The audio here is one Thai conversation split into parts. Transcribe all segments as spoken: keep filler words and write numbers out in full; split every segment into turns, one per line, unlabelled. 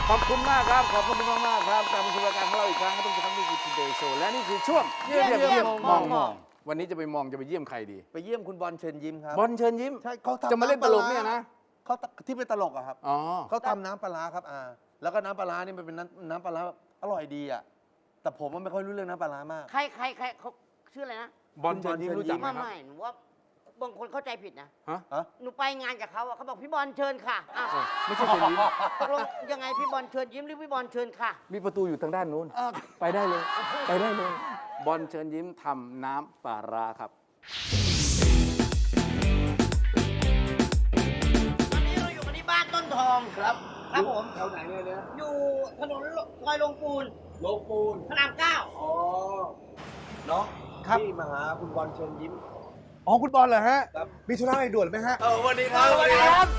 ขอบคุณมากครับขอบคุณมากมากครับกลับมาสู่รายการของเราอีกครั้งก็ต้องจะทำนี่คือ Today Show และนี่คือช่วงเยี่ยมเยี่ยมมองมองวันนี้จะไปมองจะไปเยี่ยมใครดี
ไปเยี่ยมคุณบอลเชิญยิ้มครับ
บอลเชิญยิ้ม
ใช่เขาทำ
จะมาเล่นตลกเนี่ยนะ
เขาที่เป็นตลกอะครับ
อ๋อ
เขาทำน้ำปลาร้าครับอ่าแล้วก็น้ำปลาร้านี่มันเป็นน้ำน้ำปลาร้าอร่อยดีอะแต่ผมมันไม่ค่อยรู้เรื่องน้ำปลาร้ามาก
ใครใครใครเขาชื่ออะไรนะ
บอลเชิญยิ้มรู้จักไหม
ไม่
ครับ
ไม่หนูว่าบางคนเข้าใจผิดนะ
ฮะ
ฮะ
หนูไปงานกับเขาอะเขาบอกพี่บอลเชิญค่ะอ้าว
ไม่ใช่เชิญยิ้ม
ตกลงยังไงพี่บอลเชิญยิ้มหรือพี่บอลเชิญค่ะ
มีประตูอยู่ทางด้านนู้นไปได้เลย ไปได้เลย บอลเชิญยิ้มทำน้ำปลาร้าครับ
ตอนนี้เราอยู่กันที่บ้านต้นทองครับ ครับผม
แถวไหนเนี่ยเนี่ย
อยู่ถนนซอยลงปูน
โลปูน
พระรามเก้า
อ๋อเนาะ
ครับ
ที่มาหาคุณบอลเชิญยิ้ม
อ๋อคุณบอลเหรอฮะ
ครับ
มีธุระอะไรด่วนไหมฮะ
เออวันนี้ครับ
สวัสดีครับ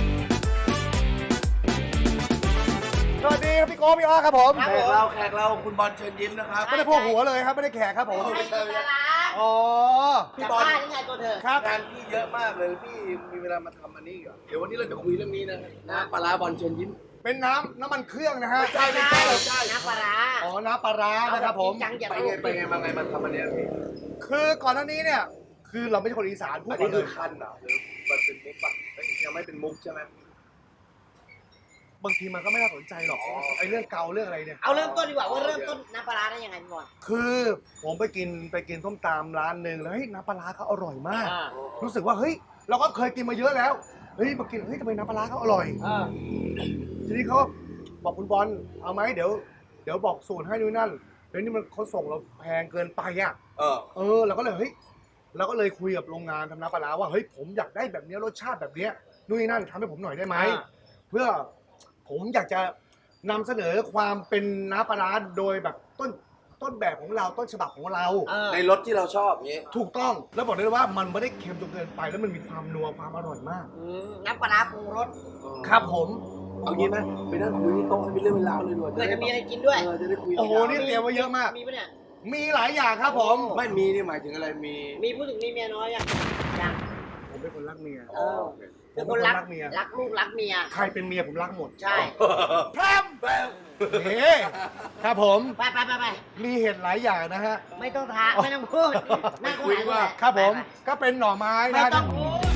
สวัสดีครับพี่โก้พี่อ้อครับผม
แขกเราแขกเราคุณบอลเชิญยิ้มนะครับ
ไม่ได้พวกหัวเลยครับไม่ได้แขกครับผม
ไม่ใช่ดารา
อ๋อ
พี่บอลบ้านยังไงตัวเธอ
ครับ
งานพี่เยอะมากเลยพี่มีเวลามาทำอันนี้เหรอเดี๋ยววันนี้เราจะคุยเรื่องนี้นะน้ำปลาร้าบอลเชิญยิ้ม
เป็นน้ำน้ำมันเครื่องนะฮะ
ใช่ไม่ใช่ไม่ใช่
น้ำปลาร้า
อ๋อ น้ำปลาร้านะครับผม
จังอย่า
ไป
ตล
ไง
ก
ไปไงมาไงมาทำอันเนี้ยพี่
คือก่อนหน้านี้เนี่ย คือเราไม่ใช่คนอีสานพูด
อัน
ก่อ
นี้
นเล
คือย คันเหรอหรือมันเป็นมุกปะเอ้ยยังไม่เป็นมุกใช่ไหม
บางทีมันก็ไม่น่าสนใจหรอกไอ้เรื่องเกาเรื่องอะไรเนี่ย
เอาเริ่มต้นดีกว่าว่าเริ่มต้นน้ำปลาร้าได้ยังไงพี่บอล
คือผมไปกินไปกินส้มตำร้านหนึ่งแล้วเฮ้ยน้ำปลาร้าเขาอร่อยมาก
อ่า
รู้สึกว่าเฮ้ยเราก็เคยกินมาเยอะแล้ว เฮ้ยมากินเฮ้ยทำไมน้ำปลาร้าเขาอร่อย
อ่า
ทีนี้เขาก็บอกคุณบอลเอาไหมเดี๋ยวเดี๋ยวบอกสูตรให้นู่นนั่นเดี๋ยวนี้มันเขาส่งเราแพงเกินไปอ่ะ
เออ
เออเราก็เลยเฮ้ยเราก็เลยคุยกับโรงงานทำน้ำปลาร้าว่าเฮ้ยผมอยากได้แบบเนี้ยรสชาติแบบเนี้ยนู่นนนั่นทำให้ผมหน่อยได้ไหมเพื่อผมอยากจะนำเสนอความเป็นน้ำปลาร้าโดยแบบต้นต้นแบบของเราต้นฉบับของเรา
เออ
ในรถที่เราชอบอย่างงี้
ถูกต้องแล้วบอกได้เลยว่ามันไม่ได้เค็มจนเกินไปแล้วมันมีความนัวความอร่อยมาก
อืมน้ำปลาร้าปรุงรส
ครับผม
เอางี้ไหมไปนั่งคุยที่โต๊ะให้เป็นเรื่องเป็นราวเลยดีกว่า
เพื่อจะมีอะไรกินด้วย
เออจะได้คุย
โอ้โห
ยาวๆ
นี่เตรียมไว้เยอะมาก
มีปะเนี่ย
มีหลายอย่างครับผม
ไม่มีนี่หมายถึงอะไรมี
มีผู้ถึงมีเมียน้อยยังยัง
ผมเป็นคนรักเมีย
เออ
ผ
เป็น
ม
ค
เป็น
น
คน
รัก
รักเมีย
รักลูกรักเมีย
ใครเป็นเมียผมรักหมด
ใช่
พรมเฮ้ครับผม
ไปไปไปไป
มีเห็ดหลายอย่างนะฮะ
ไม่ต้องทาไม่ต้องพูดนั่งตรงไหนก็ได้
ครับผม
ไป
ก็เป็นหน่อไม้
ไปไม่
นะ
ต้องพูด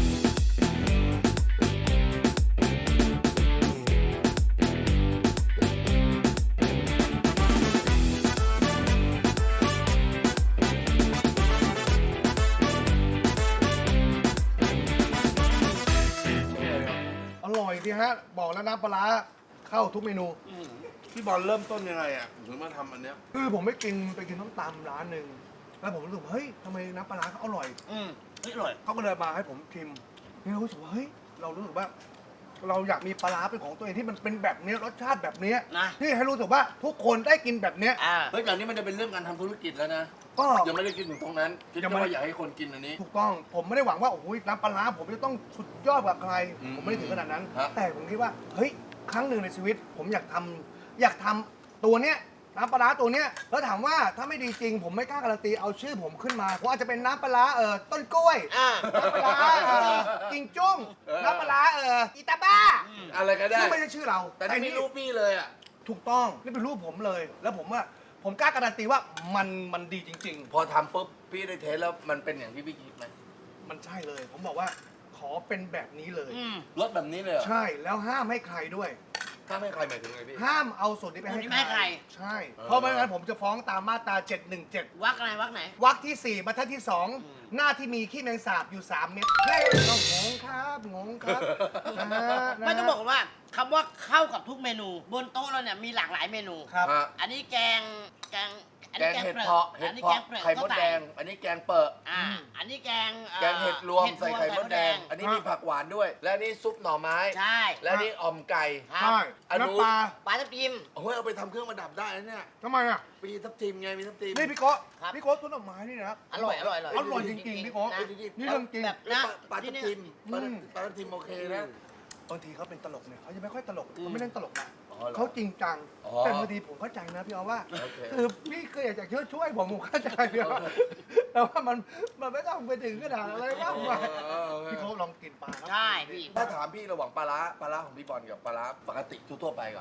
อร่อยดีฮะ บอกแล้วน้ำปลาร้าเข้าทุกเมนู
พี่บอลเริ่มต้นยังไงอ่ะถึงมาทำอันเนี้ย
คือผมไปกินไปกินส้มตำร้านหนึ่งแล้วผมรู้สึกว่าเฮ้ยทำไมน้ำปลาร้าเขาอร่อย
อืมเฮ้ยอร่อย
เขาก็เลยมาให้ผมชิมนี่เรารู้สึกว่าเฮ้ยเรารู้สึกว่า เราอยากมีปลาร้าเป็นของตัวเองที่มันเป็นแบบนี้รสชาติแบบนี้
นะ
ที่ให้รู้สึกว่าทุกคนได้กินแบบเนี้ย
อ่า
เฮ้ยแต่นี้มันจะเป็นเรื่องการทำธุรกิจแล้วนะ
ก็
ยังไม่ได้คิดถึงตรงนั้นคิด
ยัง
แค่
ไม่
ว่าอยากให้คนกินอันนี้
ถูกต้องผมไม่ได้หวังว่าโอ้โหน้ำปลาร้าผมจะต้องสุดยอดกว่าใคร
อืม
ผมไม่ได้ถึงขนาดนั้น
ฮะ
แต่ผมคิดว่าเฮ้ยครั้งหนึ่งในชีวิต ผมอยากทำอยากทำตัวเนี้ยน้ำปลาร้าตัวเนี้ยแล้วถามว่าถ้าไม่ดีจริง ผมไม่กล้าการันตีเอาชื่อผมขึ้นมาผมอาจจะเป็นน้ำปลาร้าเออต้นกล้วย
อ่า
น้ำปลาร้าเออกิงจุ้งน้ำปลาร้าเอออีตาบ้า
อะไรก็ได้
ซึ่งไม่ใช่ชื่อเรา
แต่นี่มีรูปพี่เลยอ่ะ
ถูกต้องนี่เป็นรูปผมเลย แล้วผมว่าผมกล้าการันตีว่ามันมันดีจริง
พอทำปุ๊บพี่ได้เทสแล้วมันเป็นอย่างที่พี่คิดไหม
ๆ มันใช่เลย ผมบอกว่าขอเป็นแบบนี้เลย
อืม
รสแบบนี้เลยเหรอ
ใช่แล้วห้ามให้ใครด้วย
ถ้าไม่ใครหมายถึงไงพี่
ห้ามเอาส่วนนี้ไปให้
ส่วนนี้ไม่ให้ใคร
ใช่
เออ
เพราะไม่งั้นผมจะฟ้องตามมาตราเจ็ดหนึ่งเจ็ด
วักอะไรวักไหน
วรรคที่สี่บรรทัดที่สองหน้าที่มีขี้แมงสาบอยู่สามเม็ดเฮ้ยเรางงครับงงครับนะฮะนะฮะ
ไม่ต้องบอกว่าคำว่าเข้ากับทุกเมนู บนโต๊ะเราเนี่ยมีหลากหลายเมนู
ครับ
ฮะ
อันนี้แกงแกงอัน
แก
นี้
งเห็ด
ปลือก
เพาะเห็
อั
ด
นนี้
เพาะ
แกงเปลือก
ไข่มด
ก็ใส่
แดง อันนี้แกงเปิด
อ่าอันนี้แกงอ่อ
แกงเห็ดรวม
ห็
ใส่ไข่มดแดง อันนี้มีผักหวานด้วย และนี่ซุปหน่อไม้
ใช่
และนี่อ่อมไก่
ครับ
ใช่
อันนู้น
น้ำปลา
ปลาทับทิม
โอ้ยเอาไปทำเครื่องประดับได้นะเนี่ย
ทำไมอ่ะ
มีทับทิมไงมีทับทิม
นี่พี่โก้
ครับ
พี่โก้ต้นดอกไม้นี่นะ
อร่อยอร่อยอร่อย
อร่อยจริงๆพี่โก้
นะ
นี่เรื่องจริง
แบบ
ปลา
นะ
ปลาทับ
ที่
ทิม
เนี่ย
ปลา
อืม
ปลาทับทิมโอเคนะ
บางทีเขาเป็นตลกเนี่ยเขาจะไม่ค่อยตลก
อืม
เขาไม่เล่นตลกนะ
อ๋อเหรอ
เขาจริงจัง
อ๋อ
แต่บางทีผมเข้าใจนะพี่เอาว่า
โอเค
คือพี่เคยอยากจะช่วยช่วยผมผมเข้าใจพี่เอาแต่ว่ามันมันไม่ต้องไปถึงขนาดอะไรมากมาย
เออเออ
พี่เขาลองกินปลาครับ
ใช่พี่
ถ้าถามพี่ระหว่างปลาร้าปลาร้าของพี่บอลกับปลาร้าปกติทั่วๆไปก่อน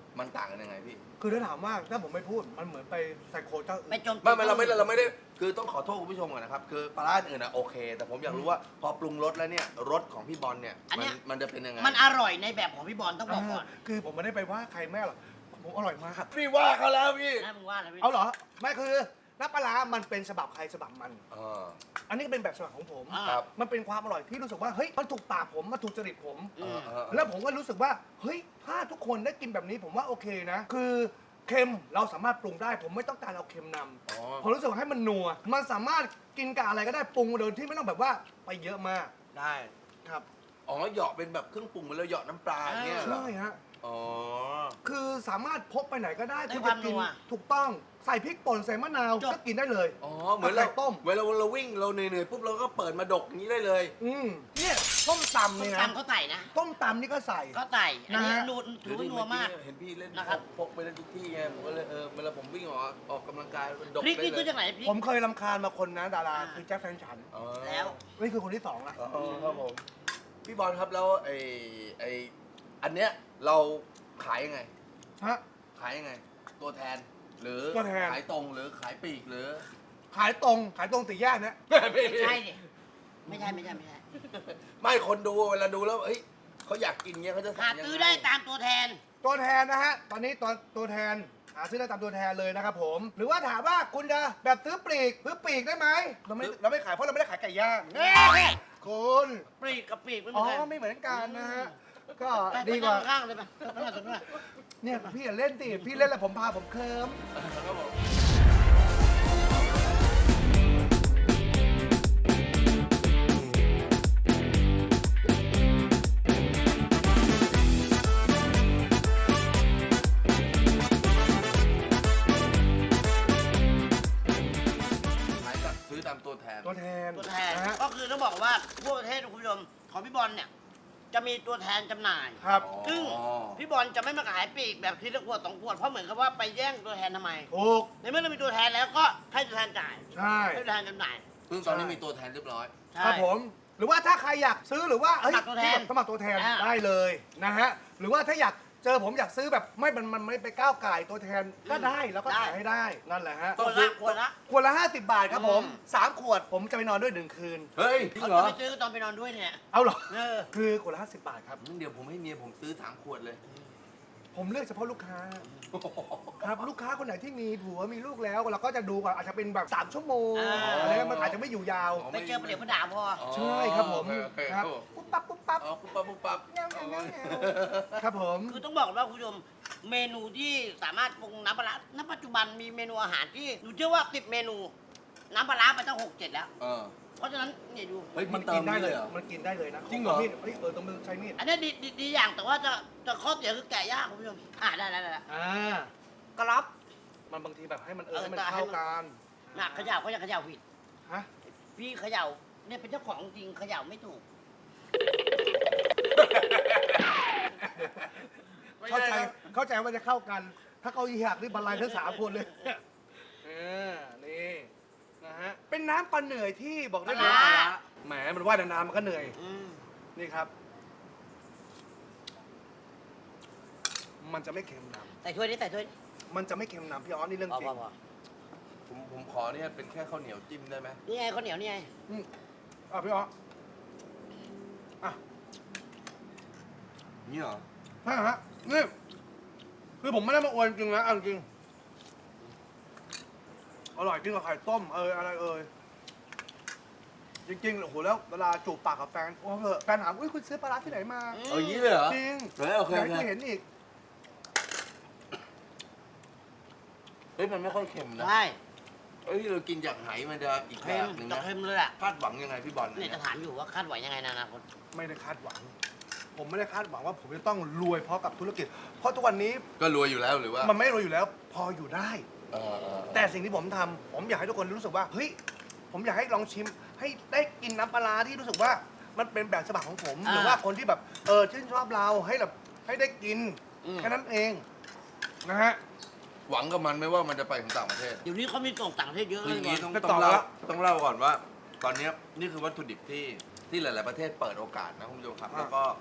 มันต่างกันยังไงพี่
คือถ้าถามว่าถ้าผมไม่พูดมันเหมือนไปไซโคเจ้าอื่
ไม่
น
จม
ไม่ไม่เราไม่เราไม่ได้คือต้องขอโทษคุณผู้ชมก่อนนะครับคือปลาร้าอื่นอะโอเค แต่ผมอยากรู้ว่าพอปรุงรสแล้วเนี่ยรสของพี่บอลเนี่ยมันมันจะเป็นยังไง
มันอร่อยในแบบของพี่บอลต้องบอกก่อน
คือผมไม่ได้ไปว่าใครแม่หรอกผมอร่อยมาก
พี่ว่าเขาแล้วพี่
นะมึงว่าอะไรพี่
เอาเหรอไม่คือน้ำปลาร้ามันเป็นฉบับใครฉบับมัน
เออ
อันนี้ก็เป็นแบบฉบับของผม
อ่า
ครับ
มันเป็นความอร่อยที่รู้สึกว่าเฮ้ยมันถูกปากผมมันถูกจริตผม
อืม
เออ
แล้วผมก็รู้สึกว่าเฮ้ยถ้าทุกคนได้กินแบบนี้ผมว่าโอเคนะ คือเค็มเราสามารถปรุงได้ ผมไม่ต้องการเอาเค็มน
อ๋อ
ำผมรู้สึกว่าให้มันนัวมันสามารถกินกับอะไรก็ได้ปรุงโดยที่ไม่ต้องแบบว่าไปเยอะมาก
ได้
ครับ
อ๋อเหยาะเป็นแบบเครื่องปรุงเหมือนเราเหยาะน้ำปลาอย่างเงี้ยเหรอ
ใช่ฮะ
อ๋อ
คือสามารถพกไปไหนก็ได้
ได้
คุณ
ควา
จะ
ม
กิน
นัว
ถูกต้องใส่พริกป่นใส่มะนาว
จบ
ก็กินได้เลย
อ๋อเหมือนเรา
ไข่ต้ม
เวลาเราวิ่งเราเหนื่อยๆปุ๊บเราก็เปิดมาดกอย่างนี้ได้เลย
อืมเนี่ยต้มตำ
ส้ม
เนี่ยนะ
ตำเขาใส่นะ
ต้มตำนี่ก็ใส่
เขาใส่อันนี้
นะฮะ
นูนถือว่านัวมาก
เห็นพี่เล่น
นะครับ
พกไปเล่นทุกที่ไงผมก็เลยเออเวลาผมวิ่งออกออกกำลังกายมันดก
พริก
ได้
นี่
เล
ซื้อย จากไหนพริก
ผมเคยรำคาญมาคนนะดารา
อ่า
คือแจ็คแฟนฉัน
อ๋อ
แล้ว
นี่คือคนที่สองละ
อ๋อครับผมพี่บอลครับแล้วไอ้ไอ้อันเนี้ยเราขายยังไง
ฮะ
ขายยังไง ตัวแทน หรือ
ตัวแทน
ขายตรงหรือขายปลีกหรือ
ขายตรงขายตรงตีแยกเนี่ย
ใช่ดิไม่ใช่ไม่ใช่ไม่ใช่
ไม่คนดูเวลาดูแล้วเฮ้ยเขาอยากกินเงี้ยเขาจะ
หา
สั่งยัง
ซื้อ
ไง
ได้ตามตัวแทน
ตัวแทนนะฮะ ตอนนี้ตัวตัวแทนหาซื้อได้ตามตัวแทนเลยนะครับผม หรือว่าถามว่าคุณจะแบบซื้อปลีกซื้อปลีกได้ไหมเราไม่เราไม่ขายเพราะเราไม่ได้ขายไก่ย่างแน่คุณ
ปลีกกับปลีกไม่เห
อ๋
มื
อ
อนกัน
ไม่เหมือนกันนะฮะ ก็
ไป
ดีกว่า
ไปข้างๆเลยไปไปข้างๆตรงนั้น
เนี่ยพี่อย่าเล่นสิพี่เล่นแล้วผมพาผมเคิม
ครับผม ขายกับซื้อตามตัวแทน
ตัวแทน
ตัวแทน
นะฮะ
ก็คือต้องบอกว่าทั่วประเทศคุณผู้ชมของพี่บอลเนี่ยจะมีตัวแทนจำหน่าย
ครับ
ซึ่งพี่บอลจะไม่มาขายปลีกแบบทีละขวดสองขวดเพราะเหมือนกับว่าไปแย่งตัวแทนทำไม
ถูก
ในเมื่อเรามีตัวแทนแล้วก็ให้ตัวแทนจ่าย
ใช่
ให้ตัวแทนจำหน่าย
ซึ่งตอนนี้มีตัวแทนเรียบร้อย
ใช่
ครับผม หรือว่าถ้าใครอยากซื้อหรือว่าเอ้ย
สมัครตัวแทน
สมัครตัวแทน
อ่า
ได้เลยนะฮะ หรือว่าถ้าอยากเจอผมอยากซื้อแบบไม่มันมันไม่ไปก้าวไก่ายตัวแทนก็ได้แล้วก็ขายให้ได้นั่นแหละฮะ
ขวดละขวดละ
ขวดละห้าสิบบาทครับผม
อืม
สามขวดผมจะไปนอนด้วยหนึ่งคืน
เฮ้ยจริง
เขา
เหร
จะ
อ
ไปซื้อตอนไปนอนด้วยเนี่ย
เอาเหรอ
เออ
คือขวดละห้าสิบบาทครับ
งั้นเดี๋ยวผมให้เมียผมซื้อสามขวดเลย
ผมเลือกเฉพาะลูกค้า ครับลูกค้าคนไหนที่มีผัวมีลูกแล้วเราก็จะดูก่อนอาจจะเป็นแบบสามชั่วโมง
อ่า
อะไรเงี้ยมันอาจจะไม่อยู่ยาว
ไปเจอประเดี๋ยวประดาพอ
ใช่ครับผม
โอเค
ครับ
โอเค
ปุ๊บปั๊บปุ๊บปั๊บ
อ๋อปุ๊บปั๊บปุ๊บปั๊บ
แง่วแง่วแง่วแง่วครับผม
คือต้องบอกก่อนว่าคุณผู้ชมเมนูที่สามารถปรุงน้ำปลาร้าณปัจจุบันมีเมนูอาหารที่หนูเชื่อว่าสิบเมนู น้ำปลาร้าไปตั้งหกเจ็ดแล้ว
เออ
เพราะฉะนั้นเนี่ยดู
เฮ้ย
มั
มัน น
กิ
เติ
น
ม
ได้
ได้
เล
เลย ยเหรอ
มันกินได้เลยนะ
จริงเหรอ
มีดเฮ้ยเออต้องมือใช้มีด
อันนี้ดีดีดีอย่างแต่ว่าจะจะข้อเสียคือแกะยากคุณผู้ชมอ่าได้ได้ได้
อ่าก
รับ
มันบางทีแบบให้มันเออ
เออ
ให้มัน
แต่ให้
เข้า
มัน
กัน
หนักเขย่าเขาจะเขย่าผิด
ฮะ
พี่เขย่าเนี่ยเป็นเจ้าของจริงเขย่าไม่ถูก
เข้าใจเข้าใจว่าจะเข้ากัน ถ้าเขาอีหักนี่บรรลัยทั้งสามคนเลยเออนี่นะฮะเป็นน้ำปลาเหนื่อยที่บอกได้เลย
ปลาร้า
แหมมันว่ายนานๆมันก็เหนื่อย
อืม
นี่ครับ มันจะไม่เค็มน
ใส่ถ้วยนี้ใส่ถ้วยนี้
ำมันจะไม่เค็มนำพี่ออสนี่เรื่อง
พอ
จริ
พอง พอ
ผมผมขอเนี่ยเป็นแค่ข้าวเหนียวจิ้มได้ไหม
นี่ไงข้าวเหนียวนี่ไง
อืมอ่ะพี่ออสอ่ะ
นี่เหรอ
ใช่ฮะนี่คือผมไม่ได้มาอวยจริงนะเอาจริงอร่อยจริงกับไข่ต้มเอออะไรเอ่ยจริงๆโอ้โหแล้วเวลาจูบปากกับแฟนโอ้เหอะแฟนถามอุ้ยคุณซื้อปลาร้าที่ไหนมา
เอาอย่างนี้เลยเหรอ
จริง
เฮ้ยโอเค
อยาก
โอ
ให้
เค
คุณเห็นอีก
เฮ้ยมันไม่ค่อยเค็มนะ
ใช่
เฮ้ยเรากินจากไหมันจะอีกแบ
เค็ม
บหนึ่ง
จะ
นะ
เค็มเลยอ่ะ
คาดหวังยังไงพี่บอล
เนี่ยจะถามอยู่ว่าคาดหวังยังไงในอนาคต
ไม่ได้คาดหวัง ผมไม่ได้คาดหวังว่าผมจะต้องรวยเพราะกับธุรกิจ เพราะทุกวันนี้
ก็รวยอยู่แล้วหรือว่า
มันไม่รวยอยู่แล้ว พออยู่ได้
เออเออ
แต่สิ่งที่ผมทำผมอยากให้ทุกคนรู้สึกว่าเฮ้ยผมอยากให้ลองชิม ให้ได้กินน้ำปลาร้าที่รู้สึกว่ามันเป็นแบบฉบับของผม
อ่า
หรือว่าคนที่แบบเออชื่นชอบเราให้แบบให้ได้กิน
อืม
แค่นั้นเองนะฮะ
หวังกับมันไหม่ว่ามันจะไปถึงต่างประเทศ
เดี๋ยวนี้เขามีส่งต่างประเทศเยอะ
คือ
เล
อย ย่างนี้
บ
ต้
อ
อง
ล
จะ
ต้องเล่า
ต่อแล้ว
ต้องเล่าก่อนว่า ตอนเนี้ยนี่คือวัตถุดิบที่ที่หลาย ๆประเทศเปิดโอกาสนะคุณผู้ชมครับ
อ่า
แล้วก็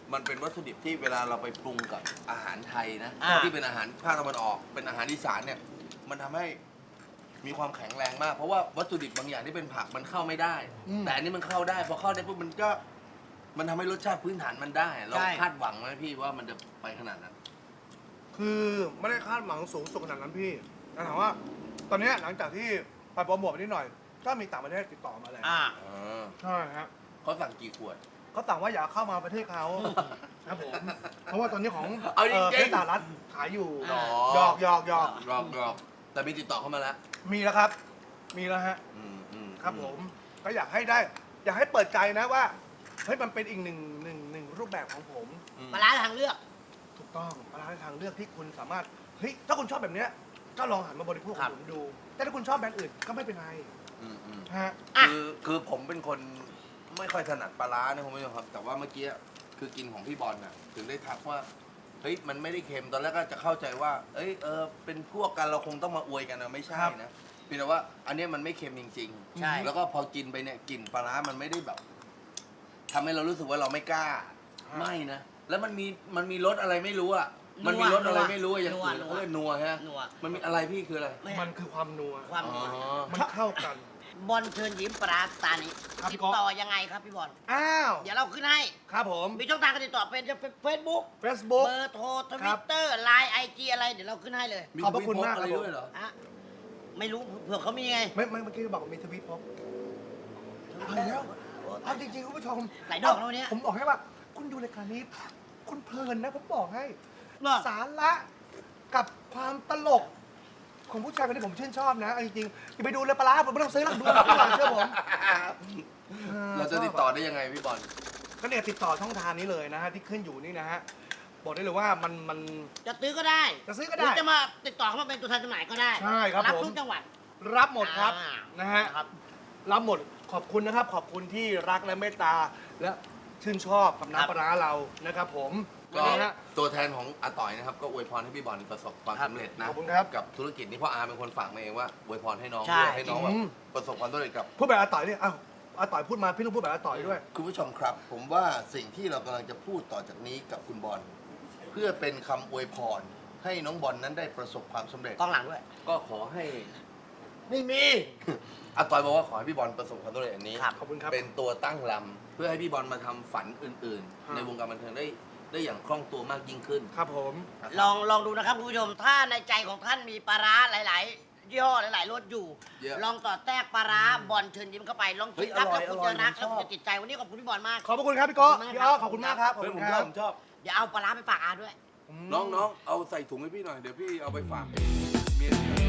มันเป็นวัตถุดิบที่เวลาเราไปปรุงกับอาหารไทยนะ
อ่า
ที่เป็นอาหารภาคตะวันออก เป็นอาหารอีสานเนี่ยมันทำให้มีความแข็งแรงมาก เพราะว่าวัตถุดิบบางอย่างที่เป็นผักมันเข้าไม่ได้
อืม
แต่อันนี้มันเข้าได้พอเข้าได้ปุ๊บมันก็มันทำให้รสชาติพื้นฐานมันได้ เรา
ใช่
คาดหวังไหมพี่ว่ามันจะไปขนาดนั้น
คือไม่ได้คาดหวังสูงสุดขนาดนั้นพี่แต่ถามว่า ตอนเนี้ยหลังจากที่ไปโปรโมทไปนิดหน่อย ก็มีต่างประเทศติดต่อมาแล้ว
อ่า
ใช่ฮะ
เขาสั่งกี่ขวด
เขาต่างว่าอยากเข้ามาประเทศเขาครับผม เพราะว่าตอนนี้ของ
เอาจริงๆ
ประเทศสหรัฐขายอยู่
หรอ
หยอกหยอกหยอก
รอบรอบแต่มีติดต่อเข้ามาแล้ว
มีแล้วครับ มีแล้วฮะ
อืมอืม
ครับผม ก็อยากให้ได้ อยากให้เปิดใจนะว่า เฮ้ย มันเป็นอีกหนึ่งหนึ่งหนึ่งรูปแบบของผม
อืม
ปลาร้าทางเลือก
ถูกต้องร้านทางเลือกที่คุณสามารถ เฮ้ย ถ้าคุณชอบแบบเนี้ย ก็ลองหันมาบริโภคข
ครั
อบ งผมดู แต่ถ้าคุณชอบแบรนด์อื่นก็ไม่เป็นไร
อืมอืม
ฮะ
อ่ะ
คือคือผมเป็นคนไม่ค่อยถนัดปลาร้านะคุณผู้ชมครับ แต่ว่าเมื่อกี้คือกินของพี่บอลน่ะถึงได้ทักว่าเฮ้ยมันไม่ได้เค็มตอนแรกก็จะเข้าใจว่า เอ้ยเออเป็นพวกกันเราคงต้องมาอวยกันนะไม่ใช่
ครับ
นะเพียงแต่ว่าอันเนี้ยมันไม่เค็มจริงๆ
ใช่
แล้วก็พอกินไปเนี่ยกลิ่นปลาร้ามันไม่ได้แบบทำให้เรารู้สึกว่าเราไม่กล้าไม่นะแล้วมันมีมันมีรสอะไรไม่รู้อ่ะมันมีรสอะไรไม่รู้อะอย่างอื่น
นัว
เขาเรียกนัวฮะ
นัว
มันมีอะไรพี่คืออะไร
ไม่
มันคือความนัว
ความ
อ๋อ
นัว
มันเข้ากัน
บอลเชิญยิ้มปลาร้าตานี้
ครับ
ติด
พี่ก๊อฟ
ต่อยังไงครับพี่บอล
อ้าว
เดี๋ยวเราขึ้นให้
ครับผม
มีช่องทางการติดต่อเป็นเฟซบุ๊ก
Facebook
เบอร์โทรท
ครั
วิ
บ
ตเตอร์ไลน์ไอจีอะไรเดี๋ยวเราขึ้นให้เลย
มี
ขอบพระคุณมาก
อะไร
ครับผม
ด้วยเหรอ
ฮะไม่รู้เผื่อเขามีไง
ไม่ไม่เมื่อกี้บอกว่ามีทวิตพบอะไรแล้วเอาจริงๆคุณผู้ชม
หลายดอกแล้วเนี่ย
ผมบอกให้ว่า คุณดูรายการนี้ คุณเพลินนะผมบอกให้
เหรอ
สาระกับความตลก ของผู้ชายคนนี้ผมชื่นชอบนะเอาจริงๆอย่าไปดูเลยปลาร้าผมไม่ต้องซื้อหรอกดูดีกว่าเชื่อผมออ
เราจะติดต่อได้ยังไงพี่บอล
ก็เนี่ยติดต่อช่องทางนี้เลยนะฮะที่ขึ้นอยู่นี่นะฮะบอกได้เลยว่ามันมัน
จะซื้อก็ได้
จะซื้อก็
หรื
ได้
อจะมาติดต่อเข้ามาเป็นตัวแทนจำหน่ายก็ได้
ใช่ครับ
รับ
ผม
ทุกจังหวัด
รับหมดครับ
อ่า
นะฮะ
ครับ
รับหมดขอบคุณนะครับ ขอบคุณที่รักและเมตตาและชื่นชอบกับน้ำปลาร้าเรานะครับผม
ก็
วันนี้ฮะ
ตัวแทนของอาต่อยนะครับก็อวยพรให้พี่บอลประสบความ
ครับ
สำเร็จนะ
ขอบคุณครับ
กับธุรกิจนี้เพ่ออาเป็นคนฝากมาเองว่าอวยพรให้น้อง
ใช่
ด้วยให้น้องแบบ
อืม
ประสบความสำเร็จกับ
พูดแบบอาต่อยเนี่ยอ้าวอาต่อยพูดมาพี่ต้องพูดแบบอาต่อยด้วย
คุณผู้ชมครับ ผมว่าสิ่งที่เรากำลังจะพูดต่อจากนี้กับคุณบอลเพื่อเป็นคำอวยพรให้น้องบอลนั้นได้ประสบความสำเร็จ
กล้องหลังด้วย
ก็ขอให้ไม่มี อาต่อยบอกว่าขอให้พี่บอลประสบความสำเร็จอันนี้
ครับ
ขอบคุณครับ
เป็นตัวตั้งลำเพื่อให้พี่บอลมาทำฝันอื่น
ฮะ
ๆ ในวงการบันเทิงได้ได้อย่างคล่องตัวมากยิ่งขึ้น
ครับผม
นะครับ
ลองลองดูนะครับคุณผู้ชม ถ้าในใจของท่านมีปลาร้าหลาย ๆ ยี่ห้อหลาย ๆรสอยู่
เยอะ
ลองต่อแทรกปลาร้าบอลเชิญยิ้มเข้าไป ลอง
เฮ้
กิ
ย
นครับ
อร่
แล้
อ
วย คุณจะรัก
อร่
แล้ว
อย
คุณจะติดใจวันนี้ขอบคุณพี่บอลมาก
ขอบพระคุณครับพี่โก้
ขอบคุณมาก
พี่อ้อ
ครับ
ขอบคุณมากครับขอบ
เฮ้ย
คุ
ผ
ณ
ม
ค
ช
รั
อบบ ผมชอบ
เดี๋ยวเอาปลาร้าไปฝากอาด้วย
น้องๆ เอาใส่ถุงให้พี่หน่อย เดี๋ยวพี่เอาไปฝากเมียพี่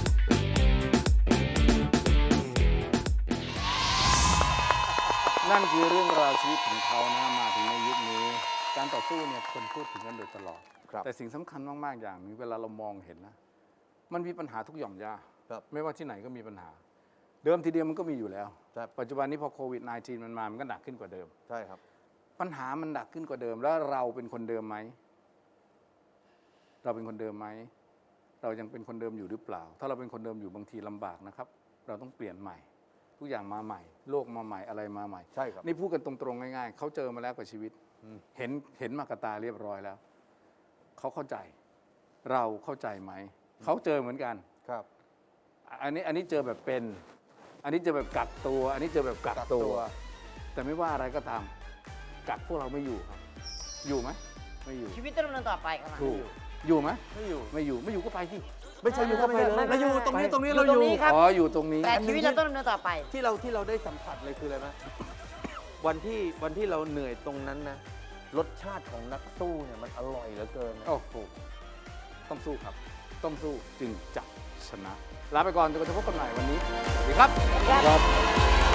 นั่นคือเรื่องราวชีวิตของเขานะมาถึงในยุคนี้ การต่อสู้เนี่ยคนพูดถึงกันโดยตลอด
ครับ
แต่สิ่งสำคัญมากๆอย่างหนึงเวลาเรามองเห็นนะ มันมีปัญหาทุกหย่อมย่า
ครับ
ไม่ว่าที่ไหนก็มีปัญหา เดิมทีเดียวมันก็มีอยู่แล้ว
ครับ
ปัจจุบันนี้พอโควิด สิบเก้า มันมา มันก็หนักขึ้นกว่าเดิม
ใช่ครับ
ปัญหามันหนักขึ้นกว่าเดิม แล้วเราเป็นคนเดิมไหม เราเป็นคนเดิมไหม เรายังเป็นคนเดิมอยู่หรือเปล่า ถ้าเราเป็นคนเดิมอยู่บางทีลำบากนะครับ เราต้องเปลี่ยนใหม่ ทุกอย่างมาใหม่ โลกมาใหม่อะไรมาใหม่
ใช่ครับ
นี่พูดกันตรงๆง่ายๆ เขาเจอมาแล้วกับชีวิต เห็นเห็นมากบตาเรียบร้อยแล้ว เขาเข้าใจ เราเข้าใจไหม เขาเจอเหมือนกัน
ครับ
อันนี้อันนี้เจอแบบเป็น อันนี้เจอแบบกักตัว อันนี้เจอแบบกักตัว แต่ไม่ว่าอะไรก็ตาม กักพวกเราไม่อยู่ครับ อยู่ไหมไม่อยู่
ชีวิตต้องดำเนินต่อไปครับ
ถูก อยู่ไหม
ไม่อยู่
ไม่อยู่ ไม่อยู่ก็ไปสิ
ไม่ใช่อยู่ก็ไปเลย
ไม่ไม่
เราอยู่
ไม่
ตรงนี้
ไป
ตรงนี้
อยู่
เราอยู่
ตรงนี้ครับ
อ๋อ อยู่ตรงนี้
แต่ชีวิตเราต้องดำเนินต่อไป
ที่เราที่เราได้สัมผัสเลยคืออะไรไหม วันที่วันที่เราเหนื่อยตรงนั้นนะรสชาติของนักสู้เนี่ยมันอร่อยเหลือเกินนะ
โอ้โห ต้องสู้ครับ ต้องสู้จึงจะชนะ ลาไปก่อนจนกว่าจะพบกันใหม่วันนี้ สวัสดีครับ
ครับ